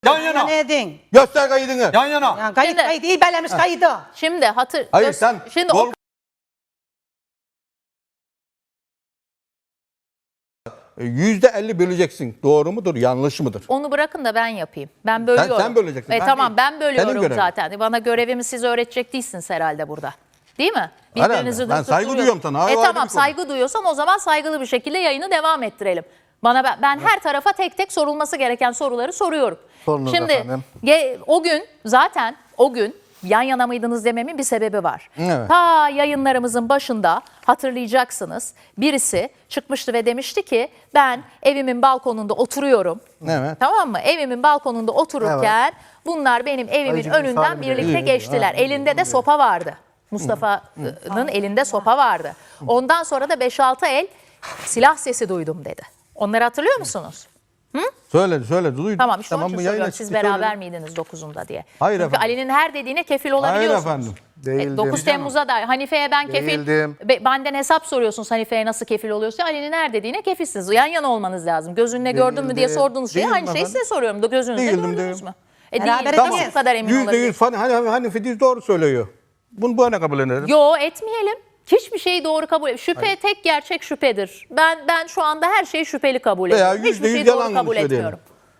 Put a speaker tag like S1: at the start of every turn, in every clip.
S1: Yan yana.
S2: Ne edin?
S1: Göster kaydını. Yan yana.
S2: Yani kayıt
S3: Şimdi-
S2: kayıt iyi bellemiş kaydı.
S3: Şimdi
S1: Hayır sen
S3: şimdi
S1: yol... %50 böleceksin. Doğru mudur, yanlış mıdır?
S3: onu bırakın da ben yapayım. Ben bölüyorum.
S1: Sen böleceksin, ben
S3: tamam
S1: değil.
S3: ben bölüyorum
S1: Senin görevin.
S3: zaten. Bana görevimi siz öğretecek değilsiniz herhalde burada. Değil mi?
S1: Herhalde. Ben saygı duyuyorum sana. O ayrı bir
S3: Tamam
S1: konu.
S3: saygı duyuyorsan o zaman saygılı bir şekilde yayını devam ettirelim. Ben her tarafa tek tek sorulması gereken soruları soruyorum.
S4: Sorunuz
S3: Şimdi
S4: efendim.
S3: o gün yan yana mıydınız dememin bir sebebi var.
S1: Evet.
S3: Ta yayınlarımızın başında hatırlayacaksınız. Birisi çıkmıştı ve demişti ki ben evimin balkonunda oturuyorum.
S1: Evet.
S3: Tamam mı? Evimin balkonunda otururken bunlar benim evimin
S4: Ayıcık
S3: önünden
S4: misali bile
S3: birlikte
S1: değil.
S3: geçtiler. Elinde de sopa vardı. Mustafa'nın elinde sopa vardı. Ondan sonra da 5-6 el silah sesi duydum dedi. Onları hatırlıyor musunuz?
S1: Söyle duydum.
S3: Tamam işte onun
S1: bu
S3: için
S1: yayına
S3: soruyorum. Siz
S1: çıktı,
S3: beraber
S1: söyle.
S3: miydiniz 9'unda diye.
S1: Hayır
S3: Çünkü
S1: efendim.
S3: Ali'nin her dediğine kefil
S1: Hayır
S3: olabiliyorsunuz.
S1: efendim.
S4: Değildim.
S3: 9 Temmuz'a da Hanife'ye ben kefil,
S4: Değildim.
S3: benden hesap soruyorsunuz Hanife'ye nasıl kefil oluyorsa Ali'nin her dediğine kefilsiniz. Yan yana olmanız lazım. Gözünle gördün mü diye
S4: Değildim.
S3: sorduğunuz şey
S1: Değildim
S3: aynı şeyi
S1: efendim.
S3: size soruyorum. Gözünüzle
S1: Değildim,
S3: gördünüz
S1: değilim.
S3: mü?
S2: Beraber
S3: Değil.
S2: tamam.
S3: Nasıl bu kadar emin olabilirsiniz?
S1: %100 hani Fediz doğru söylüyor. Bunu bu ne kabul ederim?
S3: Yo etmeyelim. Hiçbir şeyi doğru kabul et. Şüphe tek gerçek şüphedir. Ben şu anda her şeyi şüpheli kabul
S1: Veya
S3: ediyorum. Hiçbir
S1: %100
S3: şeyi doğru
S1: yalan
S3: kabul
S1: söyleyelim.
S3: etmiyorum.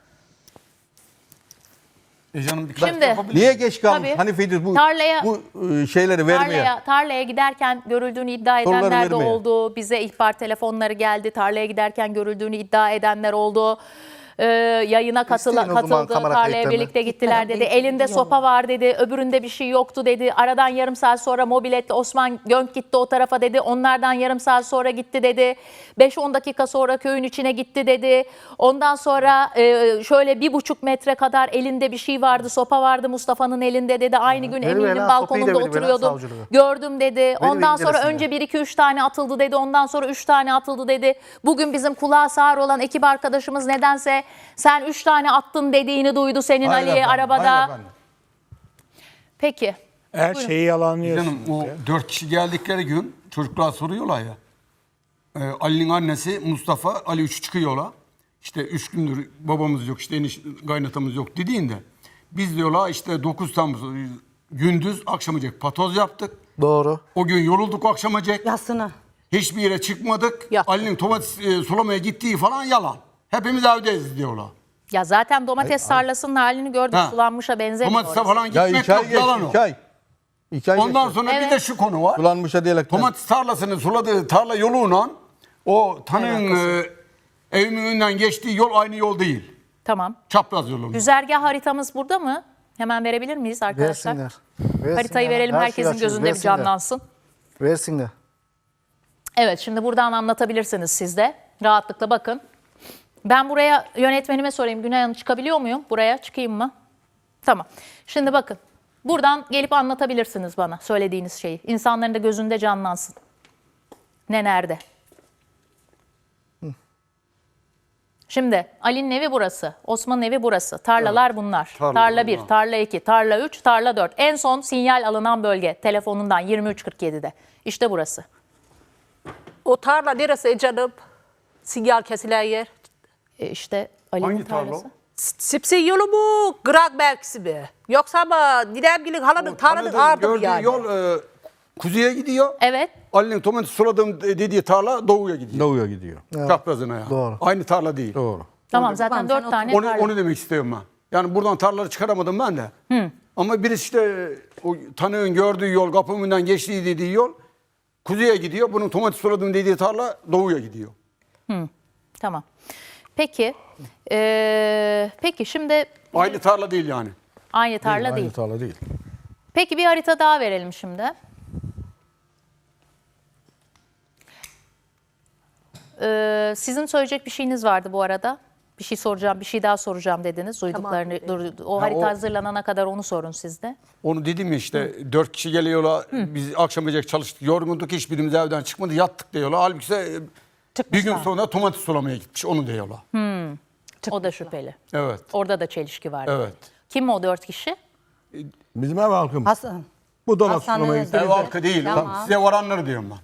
S5: Canım bir
S3: Şimdi
S1: Niye geç kalmış?
S3: Tabii.
S1: Hani Fediz bu
S3: Tarlaya-
S1: şeyleri vermiyor.
S3: Tarlaya giderken görüldüğünü iddia
S1: Soruları
S3: edenler de
S1: vermiyor.
S3: oldu. Bize ihbar telefonları geldi. Tarlaya giderken görüldüğünü iddia edenler oldu. Yayına
S4: İsteyin o zaman
S3: katıldı.
S4: kamera
S3: Tarlaya
S4: kayıtlarını.
S3: birlikte gittiler dedi. Elinde sopa var dedi. Öbüründe bir şey yoktu dedi. Aradan yarım saat sonra mobiletle Osman Gönk gitti o tarafa dedi. Onlardan yarım saat sonra gitti dedi. 5-10 dakika sonra köyün içine gitti dedi. Ondan sonra şöyle 1,5 metre kadar elinde bir şey vardı. Sopa vardı Mustafa'nın elinde dedi. Aynı gün
S4: Verin
S3: Emin'in
S4: lan,
S3: balkonunda
S4: sopayı da verin,
S3: oturuyordum.
S4: savcılığı.
S3: Gördüm dedi. Ondan sonra
S4: incelesinler.
S3: önce 1-2-3 tane atıldı dedi. Ondan sonra 3 tane atıldı dedi. Bugün bizim kulağı sağır olan ekip arkadaşımız nedense sen 3 tane attın dediğini duydu senin
S1: Hayır
S3: Ali'ye
S1: efendim,
S3: arabada.
S1: hayır efendim.
S3: Peki.
S6: Her şeyi yalanlıyorsunuz.
S5: canım o 4 kişi geldikleri gün çocuklar soruyorlar ya. Ali'nin annesi Mustafa, Ali 3 çıkıyorlar. İşte 3 gündür babamız yok, işte kaynatamız yok dediğinde. Biz diyorlar işte 9 Temmuz gündüz akşamacak patoz yaptık.
S4: Doğru.
S5: O gün yorulduk akşamacak.
S2: Yasını.
S5: Hiçbir yere çıkmadık.
S3: Ya.
S5: Ali'nin domates sulamaya gittiği falan yalan. Hepimiz evdeyiz diyorlar.
S3: Ya zaten domates tarlasının halini gördük.
S5: Ha.
S3: Sulanmışa benzemiyor.
S5: Domatese
S3: orası.
S5: falan
S1: Ya
S5: gitmek
S1: 2 ay
S5: yok, yalan
S1: geçti.
S5: o.
S1: 2 ay. 2 ay
S5: Ondan
S1: geçti.
S5: sonra bir
S3: Evet.
S5: de şu konu var.
S1: Sulanmışa diyerekten.
S5: Domates tarlasını suladığı tarla yoluyla o tanığın evimin önünden geçtiği yol aynı yol değil.
S3: Tamam.
S5: Çapraz yolu.
S3: Güzergah haritamız burada mı? Hemen verebilir miyiz arkadaşlar?
S4: Versinler.
S3: Haritayı verelim,
S4: Her şeyi
S3: herkesin
S4: açıyoruz,
S3: gözünde bir
S4: versinler.
S3: canlansın.
S4: Versinler.
S3: Evet, şimdi buradan anlatabilirsiniz siz de. Rahatlıkla bakın. Ben buraya yönetmenime sorayım. Günay Hanım çıkabiliyor muyum? Buraya çıkayım mı? Tamam. Şimdi bakın. Buradan gelip anlatabilirsiniz bana söylediğiniz şeyi. İnsanların da gözünde canlansın. Ne nerede? Şimdi Ali'nin evi burası. Osman'ın evi burası. Tarlalar bunlar. Tarla 1, tarla 2, tarla 3, tarla 4. En son sinyal alınan bölge telefonundan 23.47'de. İşte burası.
S7: O tarla neresi canım? Sinyal kesilen yer.
S3: İşte Ali'nin
S5: Hangi tarla
S3: tarlası.
S5: o?
S7: Sipsi yolu mu? Grak merkezi mi? Yoksa ama Nidemgil'in halanın tarlanın ardı mı
S5: Gördüğü
S7: yani?
S5: yol kuzeye gidiyor.
S3: Evet.
S5: Ali'nin domates suladığım dediği tarla doğuya gidiyor.
S1: Doğuya gidiyor.
S5: Çaprazına yani.
S4: Doğru.
S5: Aynı tarla değil.
S1: Doğru.
S3: Tamam zaten 4 tane
S5: Onu,
S3: tarla.
S5: onu demek istiyorum ben. Yani buradan tarlaları çıkaramadım ben de. Ama birisi işte o tanığın gördüğü yol, kapımın önünden geçtiği dediği yol kuzeye gidiyor. Bunun domates suladığım dediği tarla doğuya gidiyor.
S3: Tamam. Peki. Peki şimdi
S5: Aynı tarla değil yani.
S3: aynı tarla değil.
S1: Aynı tarla değil.
S3: Peki bir harita daha verelim şimdi. Sizin söyleyecek bir şeyiniz vardı bu arada. Bir şey soracağım, bir şey daha soracağım dediniz. Duyduklarını, o harita
S5: o-
S3: hazırlanana kadar onu sorun siz de.
S5: Onu dedim ya işte 4 kişi geliyorlar. Biz akşamacak çalıştık. Yorgunduk. Hiçbirimiz evden çıkmadı. Yattık diyorlar. Halbuki ise bir gün sonra domates sulamaya gitmiş. Onu diyorlar.
S3: O da şüpheli.
S5: Evet.
S3: Orada da çelişki var.
S5: Evet.
S3: Kim o 4 kişi?
S1: Bizim ev halkım.
S2: Hasan.
S1: Bu domates
S2: Hasan'ın
S1: sulamayı
S2: özel-
S5: Ev halkı değil.
S2: Tamam.
S5: Size varanları diyorum ben.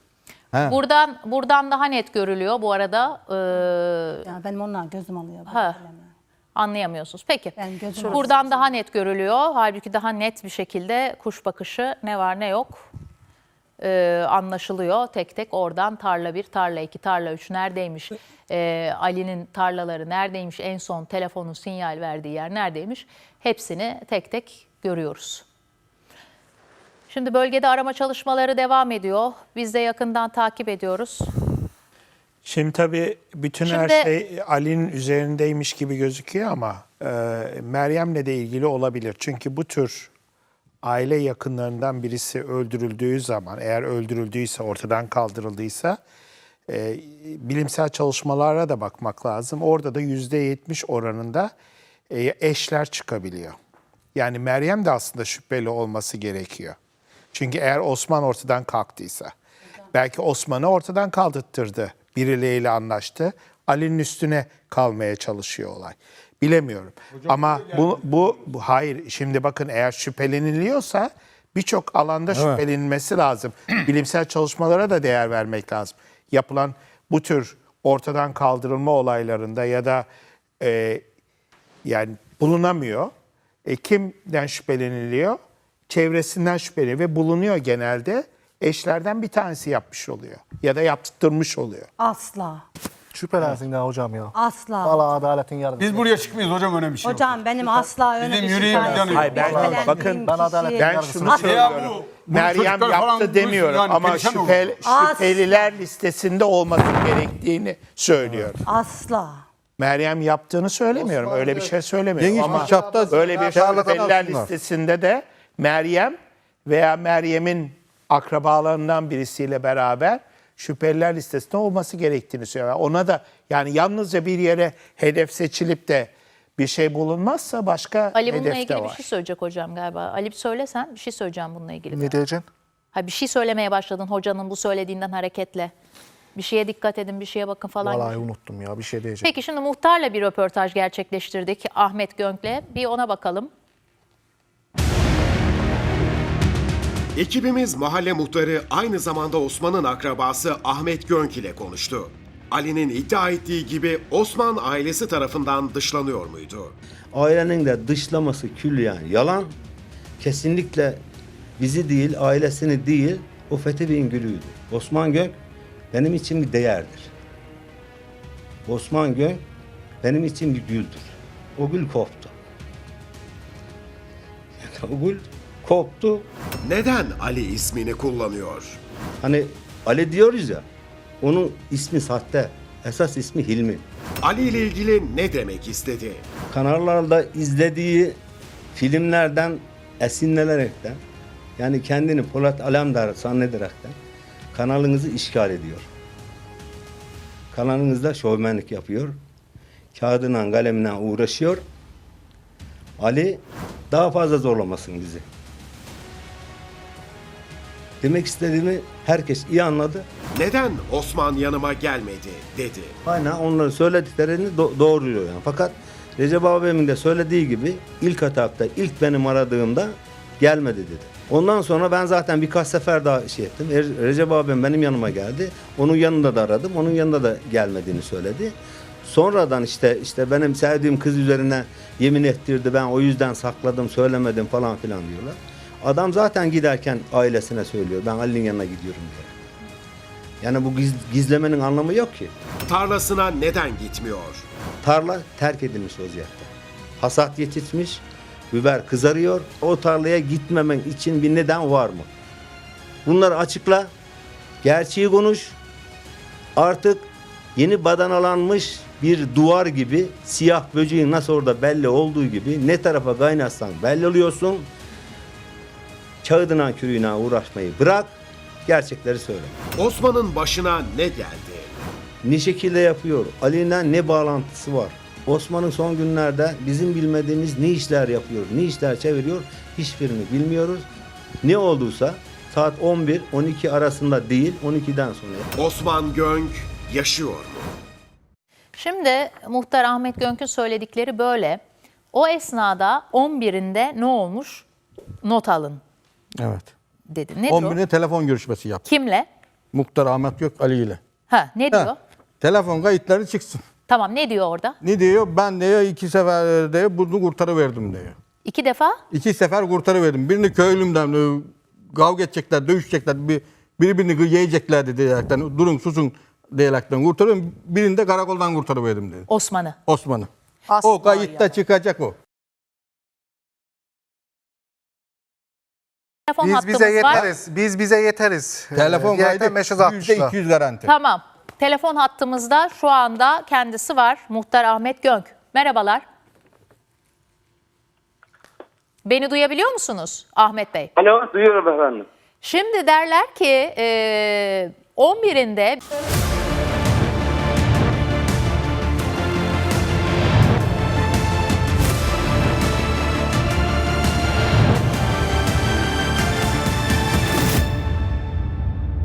S3: Buradan daha net görülüyor bu arada.
S2: Ya benim onlar gözüm alıyor.
S3: Ha. Anlayamıyorsunuz. Peki.
S2: Ben gözüm
S3: Buradan daha net görülüyor. Halbuki daha net bir şekilde kuş bakışı ne var ne yok anlaşılıyor. Tek tek oradan tarla 1, tarla 2, tarla 3 neredeymiş? Ali'nin tarlaları neredeymiş? En son telefonun sinyal verdiği yer neredeymiş? Hepsini tek tek görüyoruz. Şimdi bölgede arama çalışmaları devam ediyor. Biz de yakından takip ediyoruz.
S6: Şimdi tabii bütün her
S3: Şimdi-
S6: şey Ali'nin üzerindeymiş gibi gözüküyor ama Meryem'le de ilgili olabilir. Çünkü bu tür aile yakınlarından birisi öldürüldüğü zaman, eğer öldürüldüyse, ortadan kaldırıldıysa bilimsel çalışmalara da bakmak lazım. Orada da %70 oranında eşler çıkabiliyor. Yani Meryem de aslında şüpheli olması gerekiyor. Çünkü eğer Osman ortadan kalktıysa, belki Osman'ı ortadan kaldırttırdı, birileriyle anlaştı, Ali'nin üstüne kalmaya çalışıyor olay. Bilemiyorum. Ama bu hayır. Şimdi bakın, eğer şüpheleniliyorsa birçok alanda şüphelenilmesi lazım. Bilimsel çalışmalara da değer vermek lazım. Yapılan bu tür ortadan kaldırılma olaylarında ya da yani bulunamıyor. Kimden şüpheleniliyor? Çevresinden şüpheleniyor ve bulunuyor genelde. Eşlerden bir tanesi yapmış oluyor ya da yaptırmış oluyor.
S2: Asla.
S4: Şüphelensin ya hocam ya.
S2: Asla.
S4: Valla adaletin yargısı.
S5: Biz buraya çıkmıyoruz hocam, öyle bir şey yok.
S2: Hocam benim asla öyle
S5: Bizim
S2: bir şey
S5: yüreğimiz
S2: tanesi-
S5: yanıyor.
S6: Hayır, ben-
S2: Şüphelendiğim
S6: bakın,
S4: ben adalet-
S2: kişi-
S6: Ben
S4: yargısı.
S6: şunu
S2: Asla.
S5: Ya
S6: söylüyorum.
S5: bu
S6: Meryem
S5: çocuklar falan
S6: yaptı demiyorum
S5: yani
S6: ama
S5: perişan olur.
S6: şüpheliler listesinde olması gerektiğini söylüyorum.
S2: Asla.
S6: Meryem yaptığını söylemiyorum. Öyle bir şey söylemiyorum.
S1: Geniş
S6: Ama
S1: bir çapta
S6: böyle bir
S1: şarlatan
S6: şüpheliler
S1: aslında.
S6: listesinde de Meryem veya Meryem'in akrabalarından birisiyle beraber şüpheliler listesinde olması gerektiğini söylüyor. Ona da yani yalnızca bir yere hedef seçilip de bir şey bulunmazsa başka
S3: Ali bununla
S6: hedef de
S3: ilgili bir
S6: var.
S3: şey söyleyecek hocam galiba. Ali söylesen bir şey söyleyeceğim bununla ilgili.
S4: Ne diyeceksin?
S3: Ha, bir şey söylemeye başladın hocanın bu söylediğinden hareketle. Bir şeye dikkat edin, bir şeye bakın falan.
S4: Vallahi
S3: gibi.
S4: unuttum ya, bir şey diyeceğim.
S3: Peki şimdi muhtarla bir röportaj gerçekleştirdik Ahmet Gönk'le. Bir ona bakalım.
S8: Ekibimiz mahalle muhtarı, aynı zamanda Osman'ın akrabası Ahmet Gönk ile konuştu. Ali'nin iddia ettiği gibi Osman ailesi tarafından dışlanıyor muydu?
S9: Ailenin de dışlaması külliyen yalan. Kesinlikle bizi değil, ailesini değil, o Fethi Bey'in gülüydü. Osman Gönk benim için bir değerdir. Osman Gönk benim için bir güldür. O gül koptu. O gül koptu.
S8: Neden Ali ismini kullanıyor?
S9: Hani Ali diyoruz ya, onun ismi sahte. Esas ismi Hilmi.
S8: Ali ile ilgili ne demek istedi?
S9: Kanallarda izlediği filmlerden esinlenerekten, yani kendini Polat Alemdar zannederekten kanalınızı işgal ediyor. Kanalınızda şovmenlik yapıyor. Kağıdına kalemine uğraşıyor. Ali daha fazla zorlamasın bizi. Demek istediğimi herkes iyi anladı.
S8: Neden Osman yanıma gelmedi dedi.
S9: Aynen onların söylediklerini doğruluyor yani. Fakat Recep abimin de söylediği gibi ilk etapta, ilk benim aradığımda gelmedi dedi. Ondan sonra ben zaten birkaç sefer daha şey ettim. Recep abim benim yanıma geldi. Onun yanında da aradım. Onun yanında da gelmediğini söyledi. Sonradan işte benim sevdiğim kız üzerine yemin ettirdi. Ben o yüzden sakladım, söylemedim falan filan diyorlar. Adam zaten giderken ailesine söylüyor. Ben Ali'nin yanına gidiyorum diye. Yani bu gizlemenin anlamı yok ki.
S8: Tarlasına neden gitmiyor?
S9: Tarla terk edilmiş vaziyette. Hasat yetişmiş, biber kızarıyor. O tarlaya gitmemen için bir neden var mı? Bunları açıkla, gerçeği konuş. Artık yeni badanalanmış bir duvar gibi, siyah böceğin nasıl orada belli olduğu gibi ne tarafa kaynatsan belli oluyorsun. Kağıdına kürüğüne uğraşmayı bırak, gerçekleri söyle.
S8: Osman'ın başına ne geldi?
S9: Ne şekilde yapıyor? Ali'yle ne bağlantısı var? Osman'ın son günlerde bizim bilmediğimiz ne işler yapıyor, ne işler çeviriyor hiçbirini bilmiyoruz. Ne olduysa saat 11-12 arasında değil, 12'den sonra.
S8: Osman Gönk yaşıyor mu?
S3: Şimdi muhtar Ahmet Gönk'ün söyledikleri böyle. O esnada 11'inde ne olmuş? Not alın
S1: Evet.
S3: dedi. Nedir o?
S1: 11'inde telefon görüşmesi yaptı.
S3: Kimle?
S1: Muhtar Ahmet Gök Ali ile.
S3: Ha, ne diyor?
S1: Ha, telefon kayıtları çıksın.
S3: Tamam, ne diyor orada?
S1: Ne diyor? Ben diyor 2 sefer diyor bunu kurtarıverdim diyor.
S3: 2 defa?
S1: 2 sefer kurtarıverdim. Birini köylümden kavga edecekler, dövüşecekler, birbirini yiyeceklerdi diyerekten, durun susun diyerekten kurtarıyorum. Birini de karakoldan kurtarıverdim dedi.
S3: Osman'ı.
S1: Osman'ı.
S7: Asla
S1: O kayıtta çıkacak o.
S3: Telefon
S4: Biz
S3: hattımız
S4: bize
S3: var.
S4: yeteriz. Biz bize yeteriz.
S1: Telefon
S4: Diğerden
S1: kaydı
S4: mesaj atmışlar.
S1: %200 garanti.
S3: Tamam. Telefon hattımızda şu anda kendisi var. Muhtar Ahmet Gönk. Merhabalar. Beni duyabiliyor musunuz Ahmet Bey?
S10: Alo, duyuyorum efendim.
S3: Şimdi derler ki 11'inde